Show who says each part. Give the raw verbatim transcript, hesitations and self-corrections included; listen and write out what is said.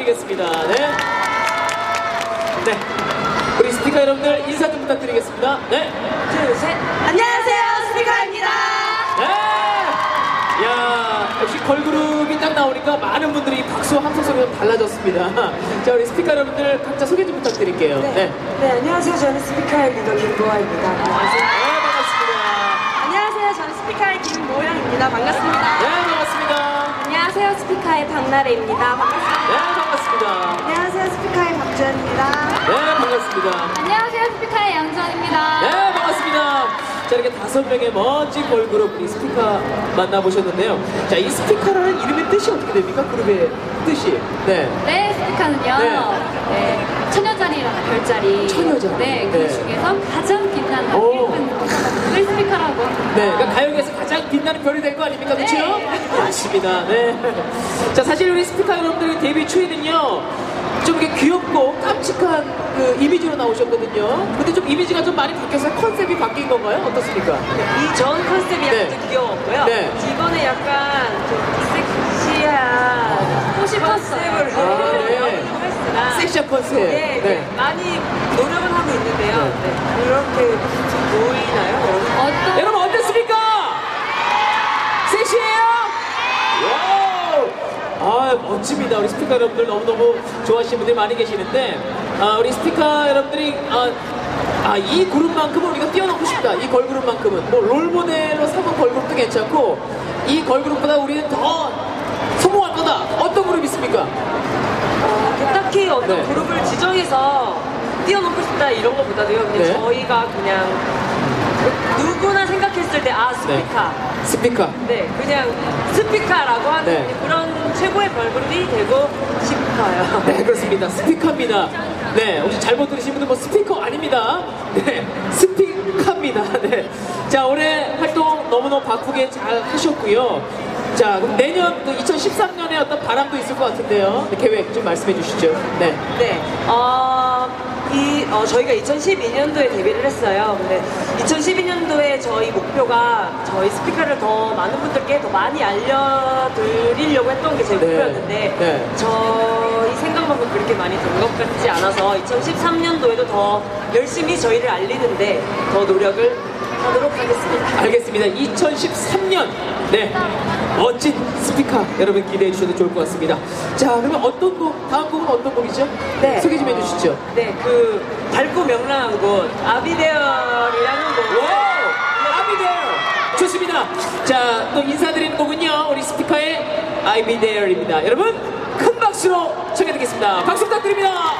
Speaker 1: 부탁드리겠습니다. 네. 네. 우리 스피커 여러분들 인사 좀 부탁드리겠습니다. 네.
Speaker 2: 둘, 셋. 안녕하세요, 스피커입니다.
Speaker 1: 네. 야, 역시 걸그룹이 딱 나오니까 많은 분들이 박수 함성 소리가 달라졌습니다. 자, 우리 스피커 여러분들 각자 소개 좀 부탁드릴게요.
Speaker 2: 네.
Speaker 1: 네.
Speaker 2: 네, 안녕하세요. 저는 스피커의 리더 김보아입니다. 안녕하세요.
Speaker 1: 네, 반갑습니다.
Speaker 2: 안녕하세요. 저는 스피커의 김모양입니다. 반갑습니다.
Speaker 1: 네, 반갑습니다.
Speaker 2: 안녕하세요. 스피커의 박나래입니다. 반갑습니다.
Speaker 1: 네, 반갑습니다.
Speaker 2: 안녕하세요. 스피커의 박주연입니다.
Speaker 1: 네, 반갑습니다.
Speaker 3: 안녕하세요, 스피커의 양주원입니다.
Speaker 1: 네, 반갑습니다. 자, 이렇게 다섯 명의 멋진 걸그룹 우리 스피커 만나보셨는데요. 자, 이 스피커라는 이름의 뜻이 어떻게 됩니까? 그룹의 뜻이. 네.
Speaker 3: 네, 스피커는요.
Speaker 1: 네.
Speaker 3: 네, 천여자리라는 별자리.
Speaker 1: 천여자리.
Speaker 3: 네, 그
Speaker 1: 네.
Speaker 3: 중에서 가장 빛나는
Speaker 1: 오.
Speaker 3: 일꾼을 스피커라고 합니다.
Speaker 1: 네, 그러니까 가요계에서 가장 빛나는 별이 된 거 아닙니까? 그렇죠?
Speaker 3: 네.
Speaker 1: 맞습니다. 네. 자, 사실 우리 스피커 여러분들의 데뷔 초에는요, 좀 이렇게 귀엽고 깜찍한 그 이미지로 나오셨거든요. 근데 좀 이미지가 좀 많이 바뀌어서 컨셉이 바뀐 건가요? 어떻습니까?
Speaker 2: 이 전 컨셉이 약간
Speaker 1: 네.
Speaker 2: 좀 귀여웠고요.
Speaker 1: 네.
Speaker 2: 이번에 약간 좀 섹시한
Speaker 3: 꽃이
Speaker 2: 컨셉을
Speaker 1: 아, 네.
Speaker 2: 했으나
Speaker 1: 섹시한 컨셉.
Speaker 2: 네, 네. 많이 노력을 하고 있는데요. 네. 그렇게 보이나요, 여러분?
Speaker 3: 어떤
Speaker 1: 여러분 어땠습니까? 섹시해요? 와우! 아, 멋집니다. 우리 스피커 여러분들 너무너무 좋아하시는 분들이 많이 계시는데, 아, 우리 스피커 여러분들이, 아, 아, 이 그룹만큼은 우리가 뛰어넘고 싶다. 이 걸그룹만큼은. 뭐, 롤모델로 삼은 걸그룹도 괜찮고, 이 걸그룹보다 우리는 더 성공할 거다. 어떤 그룹 있습니까?
Speaker 2: 어, 딱히 어떤
Speaker 1: 네.
Speaker 2: 그룹을 지정해서 뛰어넘고 싶다 이런 것보다도요. 그냥
Speaker 1: 네.
Speaker 2: 저희가 그냥 누구나 생각했을 때 아 스피카.
Speaker 1: 스피커.
Speaker 2: 네, 그냥 스피카라고 하는
Speaker 1: 네.
Speaker 2: 그런 최고의 걸그룹이 되고 싶어요.
Speaker 1: 네, 그렇습니다. 스피커입니다. 네, 혹시 잘못 들으신 분들 뭐 스피커 아닙니다. 네, 스피커입니다. 네. 자, 올해 활동 너무너무 바쁘게 잘 하셨고요. 자, 그럼 내년 그 이천십삼 년에 어떤 바람도 있을 것 같은데요. 네, 계획 좀 말씀해 주시죠. 네.
Speaker 2: 네, 어, 이, 어, 저희가 이천십이 년도에 데뷔를 했어요. 근데 이천십이 년도에 저희 목표가 저희 스피커를 더 많은 분들께 더 많이 알려드리려고 했던 게 제
Speaker 1: 네.
Speaker 2: 목표였는데
Speaker 1: 네.
Speaker 2: 저희 생각만큼 그렇게 많이 된 것 같지 않아서 이천십삼 년도에도 더 열심히 저희를 알리는데 더 노력을 하도록 하겠습니다.
Speaker 1: 알겠습니다. 이천십삼 년. 네. 멋진 스피커 여러분 기대해 주셔도 좋을 것 같습니다. 자, 그러면 어떤 곡, 다음 곡은 어떤 곡이죠?
Speaker 2: 네.
Speaker 1: 소개 좀 해주시죠.
Speaker 2: 네, 그 밝고 명랑한 곳 아비데얼이라는 곡.
Speaker 1: 와우! 아비데얼! 좋습니다. 자, 또 인사드리는 곡은요, 우리 스피커의 I'll be there입니다. 여러분, 큰 박수로 청해 듣겠습니다. 박수 부탁드립니다.